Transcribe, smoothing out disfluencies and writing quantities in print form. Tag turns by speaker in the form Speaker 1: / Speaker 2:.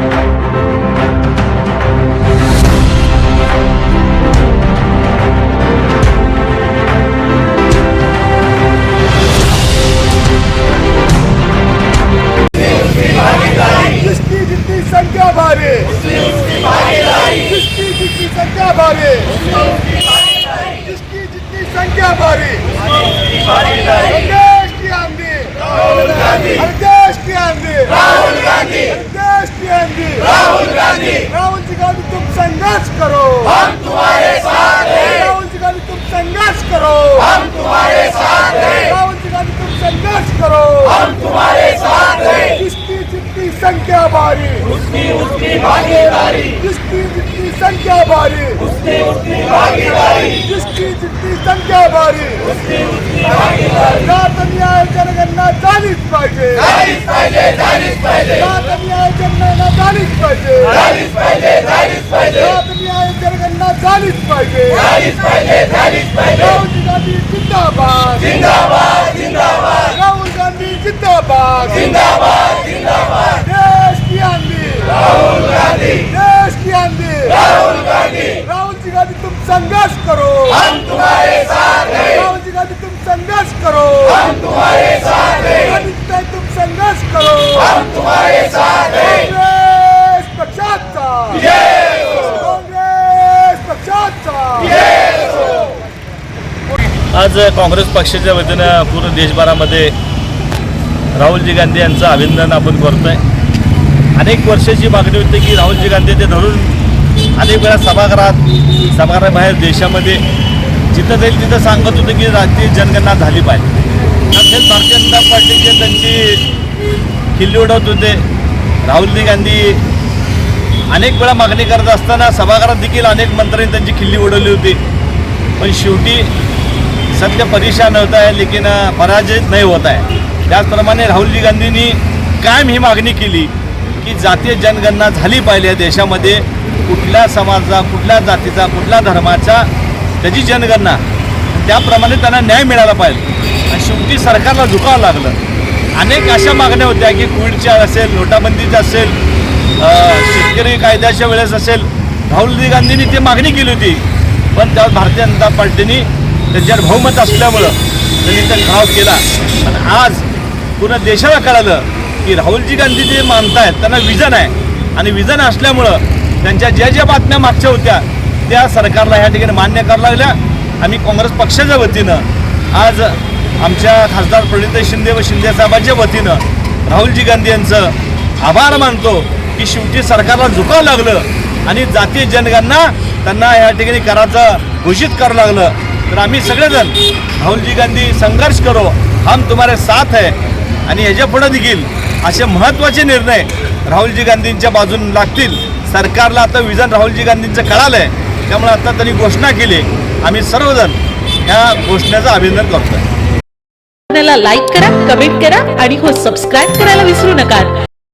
Speaker 1: संख्या भारी, जिसकी जितनी संख्या भारी, जिसकी जितनी संख्या भारी, देश की आंधी, देश की आंधी, देश की आंधी, राहुल जी गांधी तुम संघर्ष करो, हम तुम्हारे साथ हैं। राहुल जी गांधी तुम संघर्ष करो, हम तुम्हारे साथ हैं। राहुल जी गांधी तुम संघर्ष करो, हम तुम्हारे साथ हैं। जिसकी जितनी संख्या भारी, उसकी भागीदारी, जिसकी जितनी संख्या भारी, उसकी भागीदारी, जिसकी जितनी संख्या भारी, उसकी भागीदारी। जात न्याय जनगणना झालीच पाहिजे, झालीच पाहिजे, झालीच पाहिजे। जात न्याय जनगणना झालीच पाहिजे, झालीच पाहिजे, झालीच पाहिजे। जात न्याय जनगणना झालीच पाहिजे, झालीच पाहिजे, झालीच पाहिजे। राहुल गांधी जिंदाबाद, जिंदाबाद, जिंदाबाद। राहुल गांधी जिंदाबाद, जिंदाबाद, जिंदाबाद। देश की आंधी, राहुल गांधी, देश की आंधी, राहुल गांधी। राहुल जी गांधी तुम संघर्ष करो, हम तुम्हारे साथ हैं। राहुल जी गांधी तुम संघर्ष करो, हम तुम्हारे साथ हैं। तुम संघर्ष करो, हम तुम्हारे साथ हैं। काँग्रेस पक्षाचा विजय हो, काँग्रेस पक्षाचा विजय हो।
Speaker 2: आज काँग्रेस पक्षाच्या वतीनं पूर्ण देशभरामध्ये राहुलजी गांधी यांचं अभिनंदन आपण करतोय। अनेक वर्षाची मागणी होती की राहुलजी गांधी ते धरून अनेक वेळा सभागृहाबाहेर देशामध्ये जिथं जाईल तिथं सांगत होते की राष्ट्रीय जनगणना झाली पाहिजे। अखेर भारतीय जनता पार्टीचे त्यांची खिल्ली उडवत होते। राहुलजी गांधी अनेक वेळा मागणी करत असताना सभागृहात देखील अनेक मंत्र्यांनी त्यांची खिल्ली उडवली होती, पण शेवटी सत्य परेशान होता है लेकिन पराजित नहीं होता है। त्याचप्रमाणे राहुलजी गांधींनी कायम ही मागणी केली की जातीय जनगणना झाली पाहिजे देशामध्ये, कुठल्या समाजाचा, कुठल्या जातीचा, कुठल्या धर्माचा त्याची जनगणना, त्याप्रमाणे त्यांना न्याय मिळाला पाहिजे। आणि शेवटी सरकारला झुकावं लागलं। अनेक अशा मागण्या होत्या की कोविडच्या असेल, नोटाबंदीच्या असेल, शेतकरी कायद्याच्या वेळेस असेल, राहुलजी गांधींनी ती मागणी केली होती, पण त्यावर भारतीय जनता पार्टीने त्यांच्यावर बहुमत असल्यामुळं त्यांनी त्या ठराव केला। आणि आज पूर्ण देशाला कळालं की राहुलजी गांधी जे मानतायत त्यांना विजन आहे, आणि विजन असल्यामुळं त्यांच्या ज्या बातम्या मागच्या होत्या त्या सरकारला ह्या ठिकाणी मान्य करायला लागल्या। आम्ही काँग्रेस पक्षाच्या वतीनं आज आमच्या खासदार प्रणिती शिंदे व शिंदे साहेबांच्या वतीनं राहुलजी गांधी यांचं आभार मानतो की शेवटी सरकारला झुकावं लागलं आणि जातीय जनगणना त्यांना ह्या ठिकाणी करायचं घोषित करावं लागलं। तर आम्ही सगळेजण राहुलजी गांधी संघर्ष करो, हम तुम्हारे साथ है। आणि ह्याच्या पुढे देखील असे महत्त्वाचे निर्णय राहुलजी गांधींच्या बाजून लागतील। सरकारला आता विजन राहुलजी गांधींचं कळालं आहे, त्यामुळे आता त्यांनी घोषणा केली। आम्ही सर्वजण ह्या घोषणेचं अभिनंदन करतोय।
Speaker 3: लाईक करा, कमेंट करा आणि हो सबस्क्राईब करायला विसरू नका।